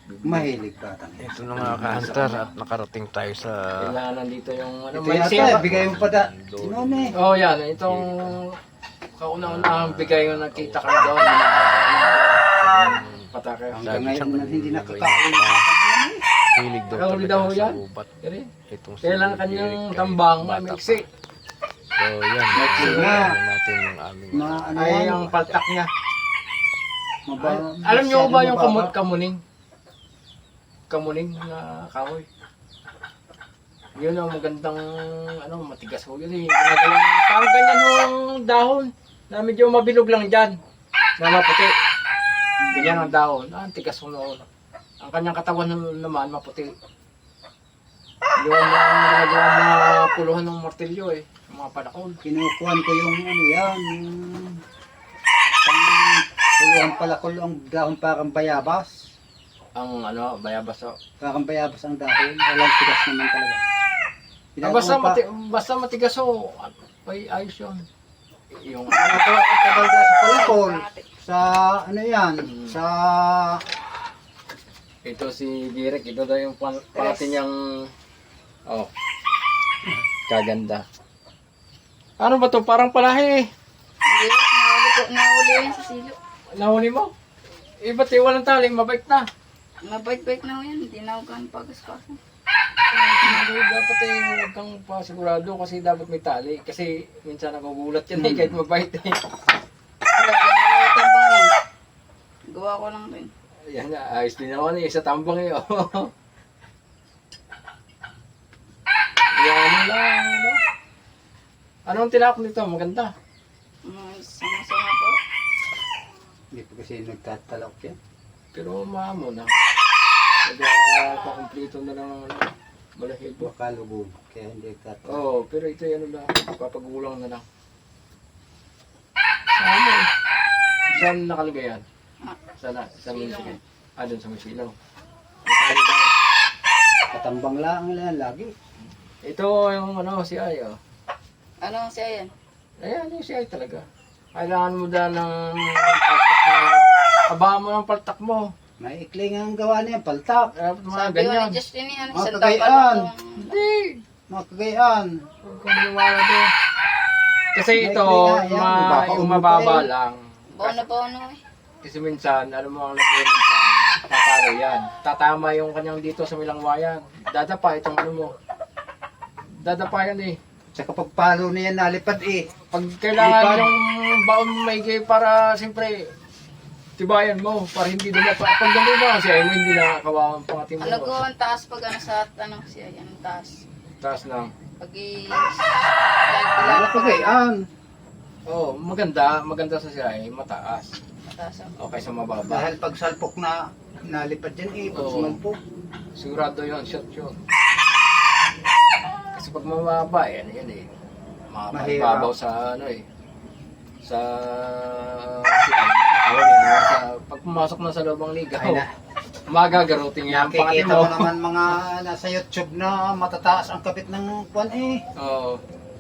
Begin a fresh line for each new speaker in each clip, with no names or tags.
Mahilig bata.
Ito na mga ka-hunter at nakarating tayo sa
Kailangan nandito yung ano.
Ito
May
yata,
siya.
bigay mo pa da. Sinon eh.
Oh, yan. Itong kauna-unahang bigay yung nakita ka doon. Patake.
Hanggang ngayon na hindi nakakain.
hilig daw
Ikaw
talaga
daw
sa
yan?
gubat.
Kaya
Itong si
kailan
Eric
kanyang
kahit
tambang
bata pa.
mamiksi.
So yan,
nga.
natin yung aming
Ano
Ay,
yan?
yung paltak niya.
Maba-
Alam niyo ba yung
mababa.
kamuning? Kamuning na kahoy. Yun ang magandang, ano, matigas ho yun eh. Ginagawa, parang ganyan yung dahon na medyo mabilog lang dyan. Na maputi. Ganyan ang dahon. Ang tigas ho noon. Ang kanyang katawan naman maputi. Yun ang ginagawa mga puluhan ng martilyo eh. Mga panakon.
Kinukuhan ko yung ano yan. Puluhan pala ko ang dahon parang bayabas.
Ang ano, bayabas ho.
Parang bayabas ang dahon. Walang tigas naman talaga.
Basta matigas ho. Ay, ayos yun. Yung
Tagal sa palakol. Sa ano yan? Sa
ito si Direk, ito daw yung pati niyang kaganda. Ano ba to? Parang palahi eh.
Nahuli yan sa silo.
Nahuli mo? Ba't walang taling, mabait na.
Mabait-bait na ho yan. Hindi na ako ganun pagkaskasan.
Dapat huwag kang pasigurado kasi dapat may tali. Kasi minsan nagugulat yan kahit mabait eh.
Wala tambang yan. Gawa ko lang rin.
Yan na, ayos din naman eh, sa tambang eh. Yan lang, ano? Anong tinapon nito? Maganda.
Sama-sama po.
hindi pa kasi nagtatalok yan.
Pero maamo na. Pakumplito na lang ano, balahibo.
Baka lubog. Kaya hindi nagtatalok.
Oo, pero ito yung ano na, papagulang na lang. Ano eh? Saan nakalagay yan? Saan mo sige? Doon sa Masilaw.
Katambang lang yan lagi.
Ito yung ano, si Ay, oh.
Ano siya yan?
Ayan, yung si Ay talaga. Kailangan mo dahil ng paltak na, kabahan mo ng paltak mo.
May ikling ang gawa niya. Paltak.
Dapat mga
Sabi ko
ganyan.
ni Justin yan.
Mga
Isang
kagayaan.
tapal
Hindi!
Mga kagayaan.
Huwag kang maniwala doon. Kasi
May
ito,
ikling nga yan,
yung mababa lang.
Bono eh.
Kasi minsan, alam mo ang lagyan minsan, tatalo yan. Tatama yung kanyang dito sa milangwayan. Dadapa itong ano mo. Dadapa yan eh.
Sa kapag palo niya nalipad eh.
Pag kailangan
Lipad.
yung baon maigay para siyempre tibayan mo para hindi dumapa. Pag dumapa siya, hindi na kawawan pang ating
Ano ko
mo.
ang taas pag ano sa ano siya yan. Taas.
Taas na.
Pag
Mga kagayaan.
Oh, maganda. Maganda sa siya eh. Mataas.
taas ako.
Okay sa mababa.
Dahil pag salpok na nalipad yan eh. Pag
Oo.
sumalpok.
Sigurado yun. Shot yun. Kasi pag mababa, yan eh.
Mahirap.
Mababaw sa ano eh. Sa pag pumasok na sa loob ng liga,
Ay na.
magagaruting yan ang pangatin
Nakikita
mo.
mo naman mga nasa YouTube na matataas ang kapit ng kwan eh.
Oo.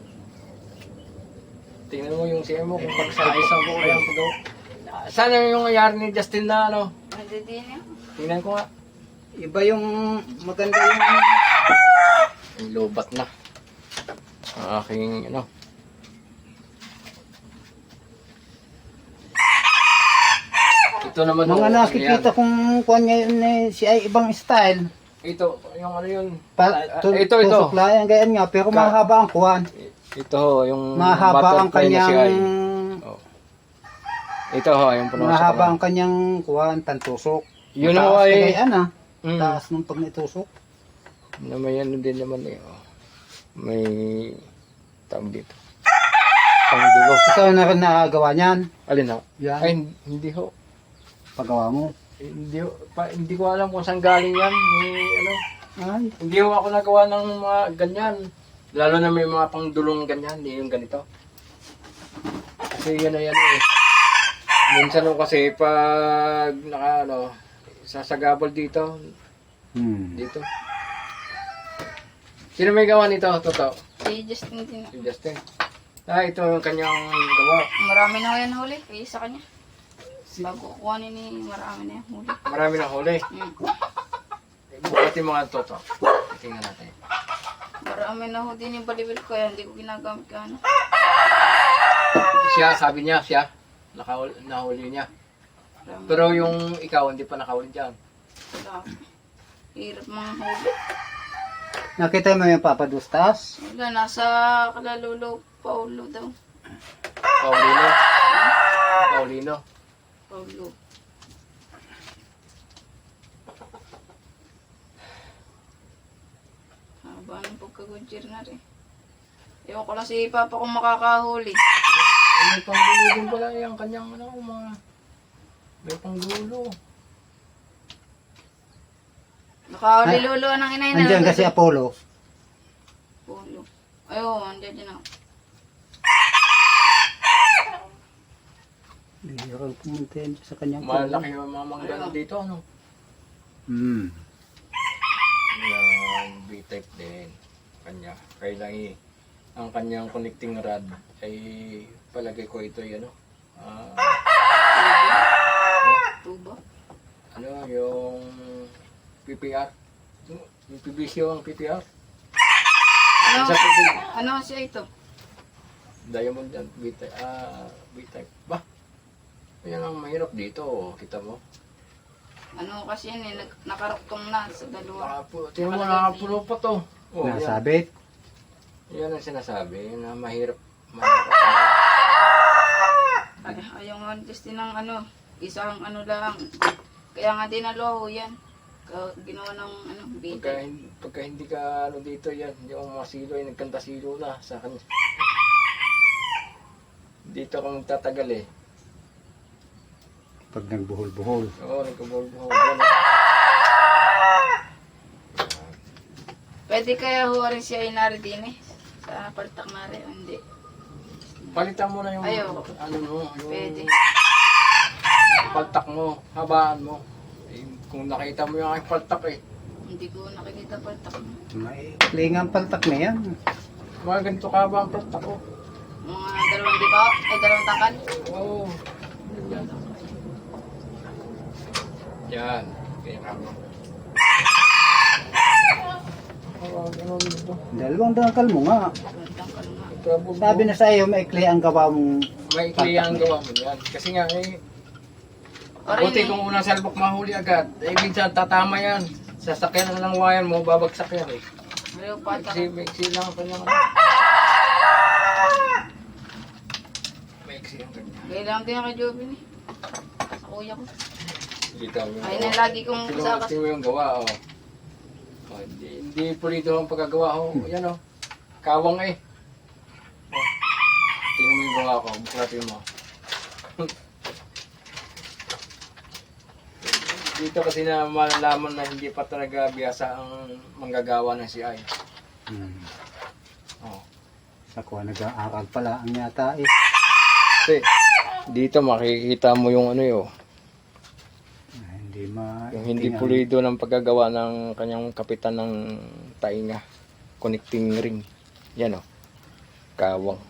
Tingnan mo yung CM mo kung pag-size ang buhay ang pag Sana yung nangyari ni Justin na ano.
Hindi din yan.
Tingnan ko nga.
Iba yung maganda yung
Yung lobat na. Ang aking ano. Ito naman
mga
oh,
nakikita
yan.
kong kwan ngayon eh, si ay ibang style.
Ito, yung ano yun.
Ito.
Ito.
Layan ganyan nga pero mahaba ang kwan.
Ito ho, yung
Mahaba ang
butterfly na si Ay.
kanyang
Oh. Ito ho, yung puno sa
mahaba
kamay.
ang kanyang kwan, tantusok.
Yun
Taas
ho ay...
kagayan ah.
Mm.
Taas nung pag naitusok.
Na may ano din naman eh. Oh. May tawag dito. Pangdulo.
Ikaw na rin nakagawa niyan.
Alin ho?
Yan.
Ay, hindi ho.
Paggawa mo.
Hindi ho. Hindi ko alam kung saan galing yan. May, ano,
Ay.
hindi ho ako nagawa ng mga ganyan. Lalo na may mga pangdulong ganyan. Hindi yung ganito. Kasi yan na yan eh. Minsan ho kasi pag naka ano, sasagabal dito. Dito. Sino may gawa nito? Totoo.
Si Justin din.
Si Justin. Ito yung kanyang gawa.
Marami na ho yan huli. Kaya sa kanya. Bago kukuhanin ni marami na yan huli.
Marami na huli.
Mm.
Ito yung mga toto. Tingnan natin.
Marami na ho din yung balibil ko, kaya hindi ko ginagamit ka ano.
Siya, sabi niya, nahuli niya.
Marami.
Pero yung ikaw, hindi pa nakahuli dyan.
Wala. Hirap mga huli.
Nakita mo yung papadustas?
Wala, nasa Kalalolo, Paulo daw.
Paulino. Paulino.
Paulo. Haba ng pagkagudjir na rin. Ewan ko lang si Papa kung makakahuli.
May panggulo din pala yung kanyang ano, mga... May panggulo.
Nakahuli-luluan ng inay na.
Andiyan kasi Apollo.
Paulo. Ayun, andyan dyan ako.
Bihirang pumunta yan sa kanyang
Malaki yung mga manggano dito, ano?
Hmm.
Yan, B-type din. Kanya. Kailangan ang kanyang connecting rod ay palagay ko ito ay ano?
Tuba.
Ano, yung PPR. Yung PVC ang PPR.
Ano?
Sa PPR.
Ano siya ito?
Diamond yan, B-type. B-type. Ba? Ayan ang mahirap dito, kita mo.
Ano kasi yan eh, nakaruktong na sa dalawa.
Tingnan mo, nakapulo pa to. Oh, yan.
Nasabit.
Yan ang sinasabi, na mahirap.
Ay, ayaw nga just din ng ano, isang ano lang. Kaya nga dinalo ho yan. Ginawa ng ano,
Pagka,
bita.
pagka hindi ka ano dito yan, yung mga silo ay nagkanta silo na sa kanya. Dito ka magtatagal eh.
Pag nagbuhol-buhol.
Oo, nagkabol-buhol.
Pwede kaya ho rin siya inari din eh. Sa paltak na rin, hindi.
Palitan mo na yung
Ayaw.
ano mo, yung
Pwede.
paltak mo, habaan mo. Eh, kung nakita mo yung aking paltak eh.
Hindi ko nakikita paltak mo.
May klingang paltak na yan.
Mga ganito ka ba ang paltak ko?
Mga dalawang di ba? Ay, dalawang tangkal.
Oo. Yan. Yan. Ganyan ka mo. Ganun dito.
Dalawang dangkal mo nga.
Dalawang tangkal nga.
Sabi na sa iyo, maikli ang gawa mong
May ikli ang gawa mo yan. Kasi nga eh,
Orin
buti
eh.
kung unang salbok mahuli agad. Eh, minsan tatama yan. Sasakyan na ng wayan mo, babagsak yan eh.
Ayaw paltak.
Maiksi lang ang kanyang... Maiksi ang kanya.
Kailangan din ako kay Jovin eh. Sa kuya ko.
Kita mo yung
Ay na lagi kong sakas.
Tingnan mo yung gawa, oh. Oh, hindi pulido ang pagkagawa, oh. Yan, oh. Kawang eh. Oh. Tingnan mo yung gawa ko. Buklatin mo. Dito kasi na malalaman na hindi pa talaga biyasa ang manggagawa ng CI. Oh.
sa kuha nag-aaral pala ang yata eh.
Kasi dito makikita mo yung ano yun.
Hindi ma...
Yung hindi pulido ng paggagawa ng kanyang kapitan ng tainga. Connecting ring. Yan o. Kawang.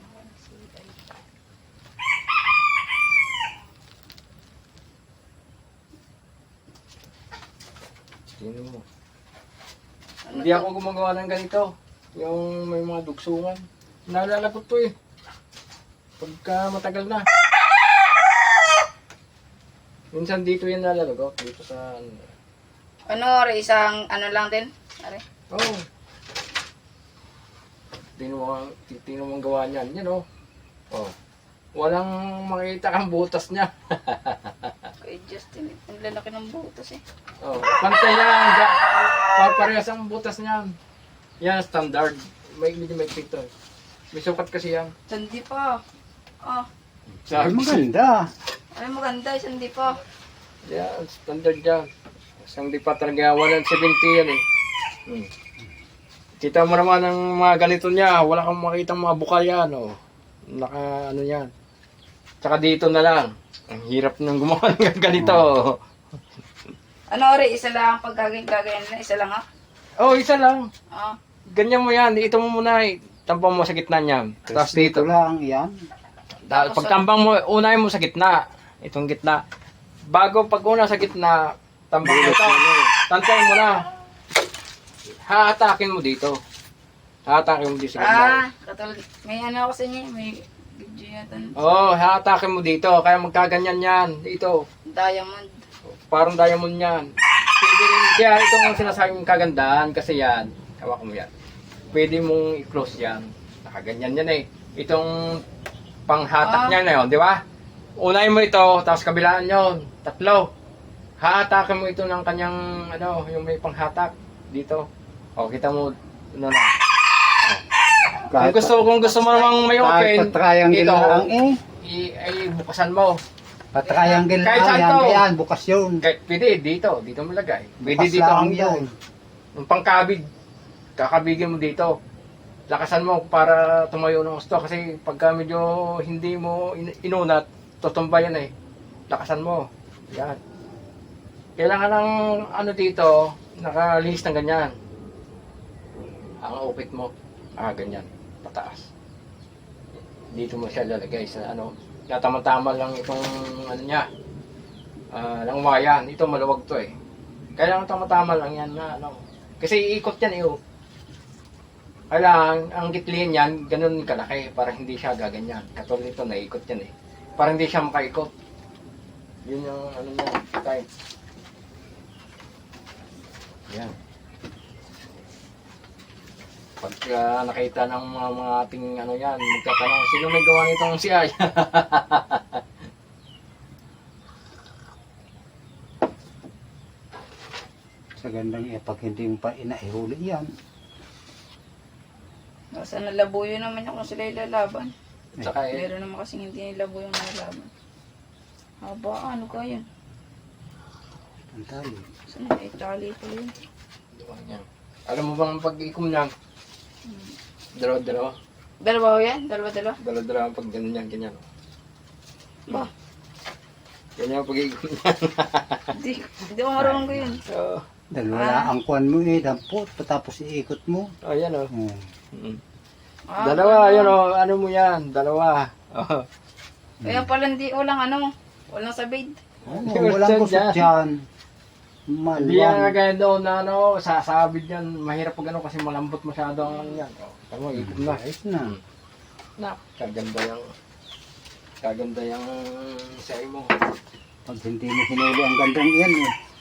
Sino mo? Hindi ako gumagawa ng ganito. Yung may mga dugsungan. Naalala ko to eh. Pagka matagal na. Minsan dito yan nalalagot. Dito sa...
Ano, Ore, isang ano lang din? Are.
Oh. Tino mong gawa niyan. Yan oh. Oh. Walang makita kang butas niya.
Kay Justin, ang lalaki ng butas eh.
Oh. Pantay yan. Parehas ang butas niyan. Yan, standard. Medyo may pito. May sukat kasi yan.
Sandi pa. Oh,
Ay,
Sabi
maganda.
ay maganda, sandi pa.
yan, standard yan. Isang di pa talaga 170 yan eh. Hmm. Kita mo naman ang mga ganito niya. Wala kang makitang mga bukal yan. Oh. Naka ano yan. Tsaka dito na lang. Ang hirap nang gumawa ng ganito.
Ano, Ore, isa lang pag gagayin na, isa lang ha?
Oh, isa lang.
Oh.
Ganyan mo yan. Ito mo muna eh. Tampang mo sa gitna niyan. Tapos dito.
lang yan.
Pagtambang mo, unahin mo sa gitna. Itong gitna. Bago pag una sa gitna, tambang mo ito. Tantay mo na. hahatakin mo dito. Hahatakin mo dito sa gitna.
Katulad, may ano ako sa inyo, may video yata.
Oo, hahatakin mo dito. Kaya magkaganyan yan. Dito.
Diamond.
Parang diamond yan. Pwede rin. Kaya itong sinasabing kagandahan kasi yan. Hawak mo yan. Pwede mong i-close yan. Nakaganyan yan eh. Itong panghatak niya na yun, di ba? Unahin mo ito, tapos kabilaan yun. 3. Hahatakin mo ito ng kanyang, ano, yung may panghatak. Dito. O, kita mo, ano na. Kung gusto mo namang may open,
Patriangle
ito,
lang
ay bukasan mo.
Patriangle
Kahit
lang
saan
yan.
to.
Yan, bukas yun.
Kahit pwede, dito mo lagay. Pwede
Bukas
dito
lang
ang
yan.
yung pangkabig, kakabigin mo dito. Lakasan mo para tumayo ng gusto kasi pagka medyo hindi mo inunat, tutumba yan eh. Lakasan mo. Yan. Kailangan ng ano dito, nakalinis ng ganyan. Ang upit mo, ganyan, pataas. Dito mo siya lalagay sa ano, tama-tama lang itong ano niya, langwayan. Ito maluwag to eh. Kailangan tama-tama lang yan na ano. Kasi iikot yan eh. Kailangan, ang gitliin yan, ganun kalaki para hindi siya gaganyan. Katulad nito, naikot yan eh. Para hindi siya makaikot. Yun yung ano niya, type. Yan. Pagka nakita ng mga ating ano yan, magtatanong, sino may gawa nitong si Ay?
Sa gandang pag hindi mo pa inaihuli yan.
Basta nalabuyo naman yung kung sila ilalaban.
Tsaka eh,
Meron naman kasing hindi nilabuyo yung nalaban. Haba, ano ka yun?
Ang tali.
Saan ay tali ko yun?
yan. Alam mo bang pag-ikom niyan? Dalawa-dalawa.
Dalawa ho yan? Dalawa-dalawa?
Dalawa-dalawa pag ganun yan, ganyan.
Ba?
Ganyan ang pag-ikom niyan.
Hindi ko marunong ko yun.
So,
Dalawa ang kuwan mo eh, dampot, patapos iikot mo.
ayan o.
Oh.
Dalawa, yun o. Ano mo yan? Dalawa. Oh.
Kaya pala hindi walang ano, walang sabid.
Walang kusot dyan.
Hindi yan
Malwang.
kagaya doon na ano, sasabid yan. Mahirap pag ano kasi malambot masyado ang ano yan. O, tama, ikom na.
Ayos na.
Kaganda yung say mo.
Pag hindi mo hinuli ang gandang iyan eh.